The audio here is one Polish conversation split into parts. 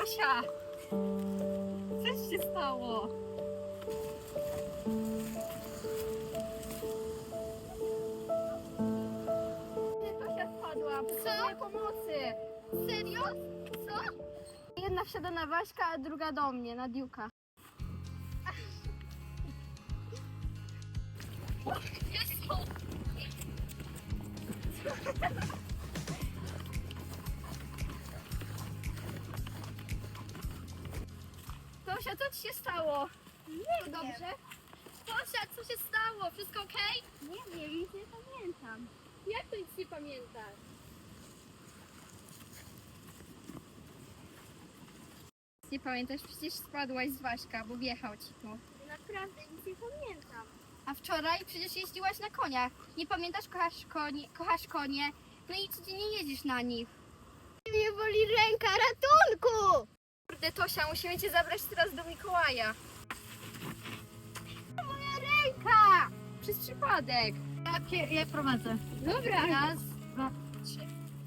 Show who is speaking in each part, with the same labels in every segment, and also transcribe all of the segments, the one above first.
Speaker 1: Tosia! Co się stało? Tosia spadła, potrzebuję pomocy. Serio? Co? Jedna wsiada na Waśka, a druga do mnie, na Diuka. Tosia, co ci się stało? Nie dobrze? Tosia, co się stało? Wszystko okej? Nie wiem, nic nie pamiętam. Jak to nic nie pamiętasz? Nie pamiętasz? Przecież spadłaś z Waśka, bo wjechał ci tu.
Speaker 2: Naprawdę nic nie pamiętam.
Speaker 1: A wczoraj przecież jeździłaś na koniach. Nie pamiętasz, kochasz konie, no i codziennie jeździsz na nich.
Speaker 2: Mnie boli ręka, ratunku!
Speaker 1: Kurde, Tosia, musimy cię zabrać teraz do Mikołaja.
Speaker 2: Moja ręka!
Speaker 1: Przez przypadek.
Speaker 2: Ja prowadzę.
Speaker 1: Dobra. Raz, dwa, trzy.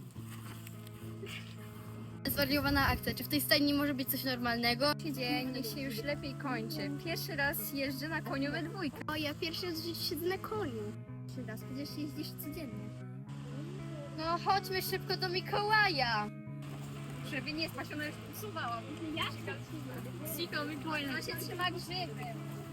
Speaker 1: Zwariowana akcja. Czy w tej stajni może być coś normalnego? Dzień się już lepiej kończy. Pierwszy raz jeżdżę na koniu we dwójkę.
Speaker 2: O, ja pierwszy raz w życiu siedzę na koniu.
Speaker 1: Pierwszy raz, przecież jeździsz codziennie. No chodźmy szybko do Mikołaja. Żeby nie spać, ona już usuwała. Ja Siko Mikołaj, no się trzyma grzyby.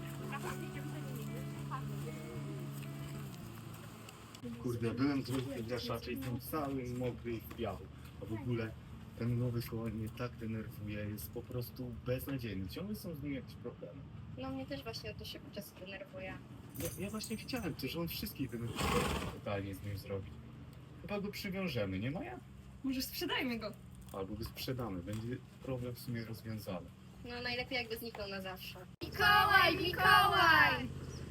Speaker 3: Kurde, byłem trochę graszaczy i jestem cały mokry i w piachu. A w ogóle ten nowy koń mnie tak denerwuje, jest po prostu beznadziejny. Ciągle są z nim jakieś problemy.
Speaker 1: No mnie też właśnie o to się czasem denerwuje.
Speaker 3: Ja właśnie chciałem to, że on wszystkich denerwuje totalnie z nim zrobić. Chyba go przywiążemy, nie Maja?
Speaker 1: Może sprzedajmy go.
Speaker 3: Albo go sprzedamy, będzie problem w sumie rozwiązany.
Speaker 1: No najlepiej jakby zniknął na zawsze. Mikołaj, Mikołaj!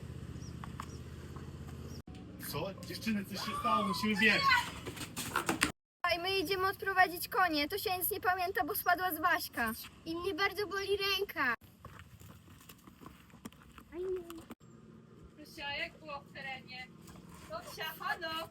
Speaker 3: Co? Dziewczyny, coś się stało, musimy biec!
Speaker 1: My idziemy odprowadzić konie. To się nic nie pamięta, bo spadła z Waśka.
Speaker 2: I mnie bardzo boli ręka.
Speaker 4: Tosia, jak było w terenie? Tosia, halo!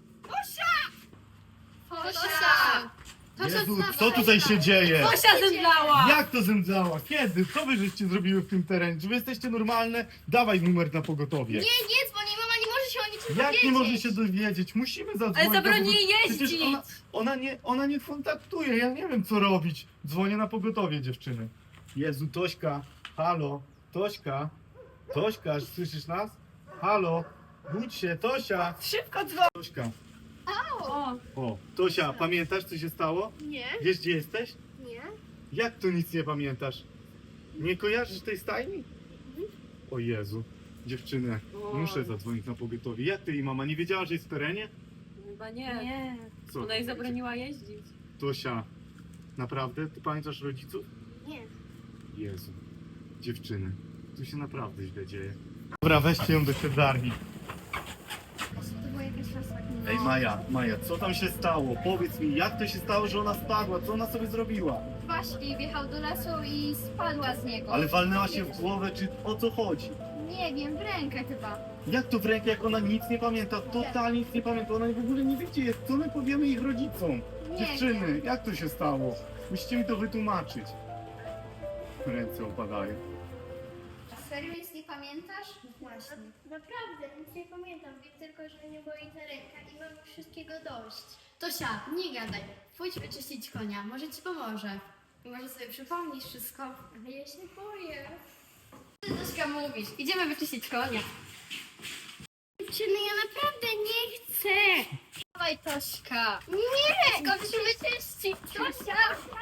Speaker 1: Tosia!
Speaker 3: Jezu, co tutaj się dzieje?
Speaker 4: Tosia zemdlała!
Speaker 3: Jak to zemdlała? Kiedy? Co wy żeście zrobiły w tym terenie? Czy wy jesteście normalne? Dawaj numer na pogotowie.
Speaker 1: Nie dzwoni, mama nie może się o niczym
Speaker 3: Jak
Speaker 1: dowiedzieć.
Speaker 3: nie może się dowiedzieć? Musimy zadzwonić.
Speaker 4: Ale zabroni jej
Speaker 3: Przecież
Speaker 4: jeździć!
Speaker 3: ona nie kontaktuje, ja nie wiem co robić. Dzwonię na pogotowie, dziewczyny. Jezu, Tośka, halo, Tośka, Tośka, słyszysz nas? Halo, budź się, Tosia,
Speaker 4: Szybko dzwoń!
Speaker 3: Tośka.
Speaker 4: O,
Speaker 3: O, Tosia, pamiętasz co się stało?
Speaker 2: Nie,
Speaker 3: Wiesz gdzie jesteś?
Speaker 2: nie.
Speaker 3: Jak to nic nie pamiętasz? Nie kojarzysz tej stajni? O Jezu, dziewczyny, muszę zadzwonić na pogotowie. Jak ty i mama, nie wiedziała, że jest w terenie?
Speaker 4: chyba nie.
Speaker 3: Co?
Speaker 4: Ona jej zabroniła jeździć.
Speaker 3: Tosia, naprawdę? Ty pamiętasz rodziców?
Speaker 2: Nie.
Speaker 3: Jezu, dziewczyny, tu się naprawdę źle dzieje. Dobra, weźcie ją do siedzarni.
Speaker 1: To była jakaś masakra.
Speaker 3: Ej Maja, co tam się stało? Powiedz mi, jak to się stało, że ona spadła? Co ona sobie zrobiła?
Speaker 1: Właśnie wjechał do lasu i spadła z niego.
Speaker 3: Ale walnęła się w głowę, czy o co chodzi?
Speaker 1: Nie wiem, w rękę chyba.
Speaker 3: Jak to w rękę, jak ona nic nie pamięta? Totalnie nic nie pamięta, ona w ogóle nie wie gdzie jest. Co my powiemy ich rodzicom?
Speaker 1: Nie
Speaker 3: Dziewczyny, jak to się stało? Musicie mi to wytłumaczyć. Ręce opadają.
Speaker 1: Serio nic nie pamiętasz? Właśnie.
Speaker 2: Naprawdę, nic nie pamiętam. Wiem tylko, że mnie boli ta ręka i mam wszystkiego dość.
Speaker 1: Tosia, nie gadaj. Pójdź wyczyścić konia, może ci pomoże. I może sobie przypomnisz wszystko.
Speaker 2: Ale ja się boję.
Speaker 1: Tośka mówisz, idziemy wyczyścić konia.
Speaker 2: Dziewczyny, ja naprawdę nie chcę.
Speaker 1: Dawaj Tośka.
Speaker 2: Nie!
Speaker 1: Skończymy wyczyścić. Tosia!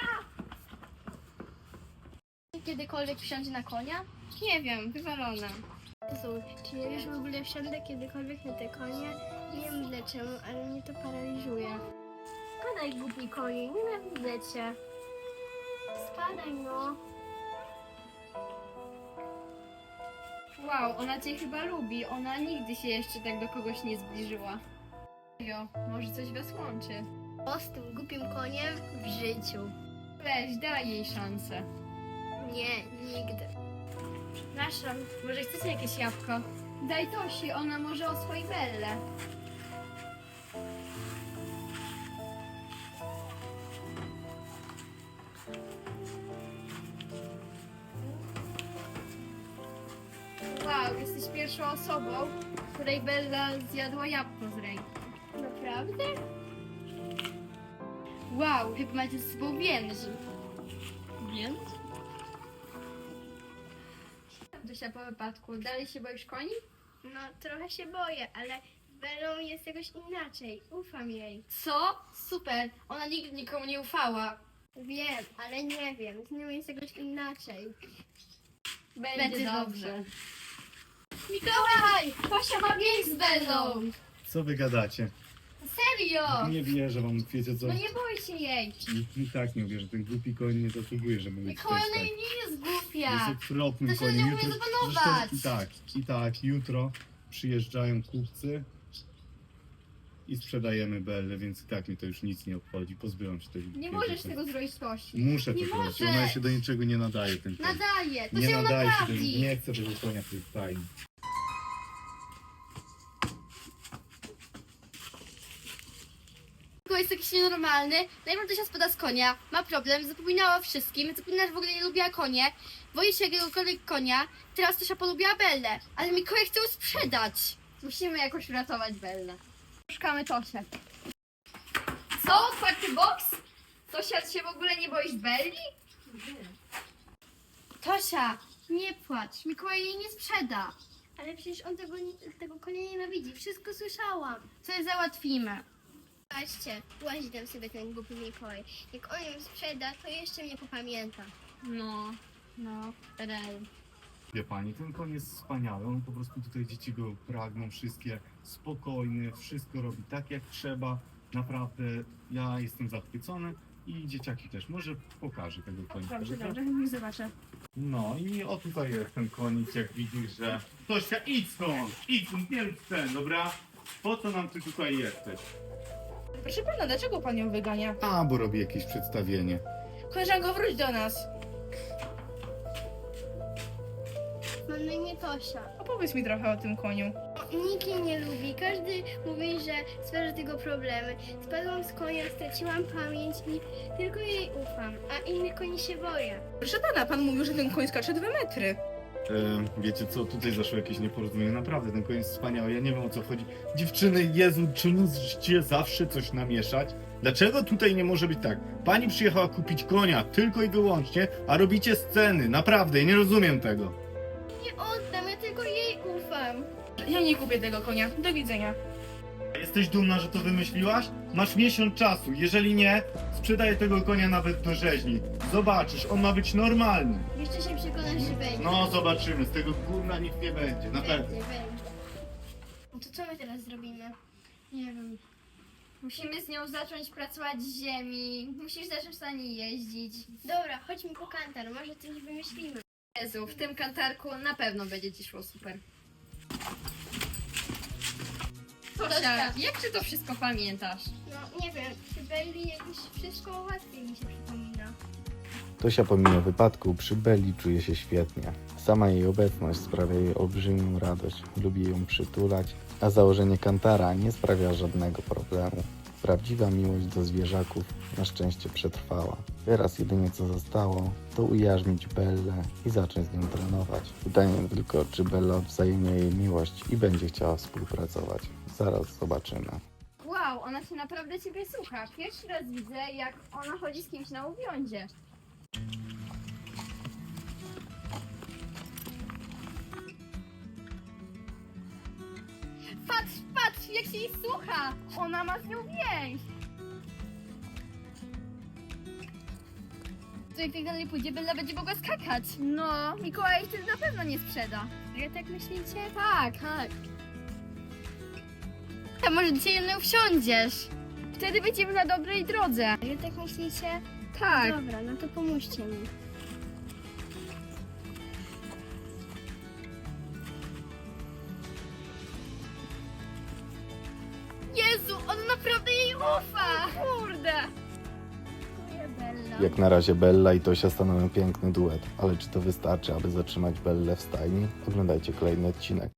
Speaker 1: Kiedykolwiek wsiądzie na konia? Nie wiem, wywalone.
Speaker 2: Jezu, czy ja już w ogóle wsiądę kiedykolwiek na te konie? Nie wiem dlaczego, ale mnie to paraliżuje. Spadaj, głupi konie, nienawidzę cię. Spadaj, no.
Speaker 1: Wow, ona cię chyba lubi. Ona nigdy się jeszcze tak do kogoś nie zbliżyła. Jo, może coś was łączy.
Speaker 2: O, z tym głupim koniem w życiu.
Speaker 1: Weź, daj jej szansę.
Speaker 2: Nie, nigdy.
Speaker 1: Przepraszam, może chcecie jakieś jabłko? Daj Tosi, ona może oswoi Bellę. Wow, jesteś pierwszą osobą, której Bella zjadła jabłko z ręki.
Speaker 2: Naprawdę?
Speaker 1: Wow, chyba macie z sobą więzi.
Speaker 4: Więc?
Speaker 1: Dosia, po wypadku, dalej się boisz koni?
Speaker 2: No, trochę się boję, ale z Bellą jest jakoś inaczej. Ufam jej.
Speaker 1: Co? Super, ona nigdy nikomu nie ufała.
Speaker 2: Wiem, ale nie wiem. Z nią jest jakoś inaczej.
Speaker 1: Będzie dobrze. Mikołaj! Tosia ma więź z Bellą!
Speaker 3: Co wy gadacie?
Speaker 1: Serio!
Speaker 3: Nie wierzę wam, wiecie co?
Speaker 1: No nie bój się jej.
Speaker 3: I tak nie wierzę, ten głupi koń nie zasługuje, żeby być
Speaker 1: Mikołaj,
Speaker 3: też
Speaker 1: ona
Speaker 3: tak.
Speaker 1: nie jest
Speaker 3: Jest
Speaker 1: głupia.
Speaker 3: okropnym
Speaker 1: To się
Speaker 3: koniem.
Speaker 1: nie umie zapanować.
Speaker 3: Zresztą i tak, jutro przyjeżdżają kupcy i sprzedajemy Bellę, więc i tak mi to już nic nie obchodzi. Pozbyłam się tej
Speaker 1: Nie możesz tego zrobić Tosi.
Speaker 3: Muszę
Speaker 1: Nie
Speaker 3: to zrobić,
Speaker 1: możesz.
Speaker 3: ona się do niczego nie nadaje, ten koń.
Speaker 1: Nadaje, to
Speaker 3: Nie
Speaker 1: się ją
Speaker 3: nadaje się,
Speaker 1: naprawi.
Speaker 3: nie chcę tego konia w tej stajni.
Speaker 1: Mikołaj jest jakiś nienormalny. Najpierw Tosia spada z konia, ma problem, zapominała o wszystkim, zapominała, że w ogóle nie lubiła konie, boi się jakiegokolwiek konia. Teraz Tosia polubiła Bellę, ale Mikołaj chce ją sprzedać. Musimy jakoś uratować Bellę. Szukamy Tosię. Co? Otwarty boks? Tosia, ty się w ogóle nie boisz Belli? Tosia, nie płacz, Mikołaj jej nie sprzeda.
Speaker 2: Ale przecież on tego konia nienawidzi. Wszystko słyszałam.
Speaker 1: Coś załatwimy.
Speaker 2: Patrzcie, łazi tam sobie ten głupi Mikołaj. Jak on ją sprzeda, to jeszcze mnie popamięta.
Speaker 1: No, rel.
Speaker 3: Wie pani, ten koń jest wspaniały, on po prostu tutaj dzieci go pragną, wszystkie spokojny, wszystko robi tak jak trzeba. Naprawdę, ja jestem zachwycony i dzieciaki też. Może pokażę tego konika.
Speaker 4: Dobrze,
Speaker 3: dobra?
Speaker 4: dobrze, chętnie zobaczę.
Speaker 3: No i o tutaj jest ten konik, jak widzisz, że... Tosia, idź stąd, nie rób ten, dobra? Po co nam ty tutaj jesteś?
Speaker 5: Proszę pana, dlaczego pan ją wygania?
Speaker 3: A, bo robi jakieś przedstawienie.
Speaker 5: Koleżanko, wróć do nas.
Speaker 2: Mam na imię Tosia.
Speaker 5: Opowiedz mi trochę o tym koniu.
Speaker 2: Nikt jej nie lubi. Każdy mówi, że stwarza tego problemy. Spadłam z konia, straciłam pamięć i tylko jej ufam, a innych koni się boję.
Speaker 5: Proszę pana, pan mówił, że ten koń skacze 2 metry.
Speaker 3: Wiecie co, tutaj zaszło jakieś nieporozumienie. Naprawdę, ten koń jest wspaniały, ja nie wiem o co chodzi. Dziewczyny, Jezu, czy musicie zawsze coś namieszać? Dlaczego tutaj nie może być tak? Pani przyjechała kupić konia tylko i wyłącznie, a robicie sceny. Naprawdę, ja nie rozumiem tego.
Speaker 2: Nie oddam, ja tylko jej ufam.
Speaker 5: Ja nie kupię tego konia. Do widzenia.
Speaker 3: Jesteś dumna, że to wymyśliłaś? Masz miesiąc czasu. Jeżeli nie, sprzedaję tego konia nawet do rzeźni. Zobaczysz, on ma być normalny.
Speaker 2: Jeszcze się przekonasz, że będzie.
Speaker 3: No, zobaczymy. Z tego gówna nic nie będzie, na pewno.
Speaker 2: Będzie. No to co my teraz zrobimy?
Speaker 1: Nie wiem. Musimy z nią zacząć pracować z ziemi. Musisz zacząć na niej jeździć.
Speaker 2: Dobra, chodźmy po kantar, może coś wymyślimy.
Speaker 1: Jezu, w tym kantarku na pewno będzie ci szło super. Tosia, jak ty to wszystko pamiętasz?
Speaker 2: No nie wiem, przy Belli jakoś wszystko łatwiej mi się przypomina.
Speaker 6: Tosia pomimo wypadku przy Belli czuje się świetnie. Sama jej obecność sprawia jej olbrzymią radość. Lubi ją przytulać, a założenie kantara nie sprawia żadnego problemu. Prawdziwa miłość do zwierzaków na szczęście przetrwała. Teraz jedynie co zostało, to ujarzmić Bellę i zacząć z nią trenować. Pytanie tylko, czy Bella odwzajemnia jej miłość i będzie chciała współpracować. Zaraz zobaczymy.
Speaker 1: Wow, ona się naprawdę ciebie słucha. Pierwszy raz widzę, jak ona chodzi z kimś na uwiądzie. Patrz, patrz, jak się jej słucha! Ona ma z nią więź! To jak tak dalej pójdzie, Bella będzie mogła skakać. No, Mikołaj wtedy na pewno nie sprzeda.
Speaker 2: Ale tak myślicie?
Speaker 1: Tak, tak. A może dzisiaj na nią wsiądziesz? Wtedy będziemy na dobrej drodze.
Speaker 2: Ale tak myślicie?
Speaker 1: Tak.
Speaker 2: Dobra, no to pomóżcie mi.
Speaker 1: Jezu, on naprawdę jej ufa! Kurde!
Speaker 2: Dziękuję, Bella.
Speaker 6: Jak na razie Bella i Tosia stanowią piękny duet, ale czy to wystarczy, aby zatrzymać Bellę w stajni? Oglądajcie kolejny odcinek.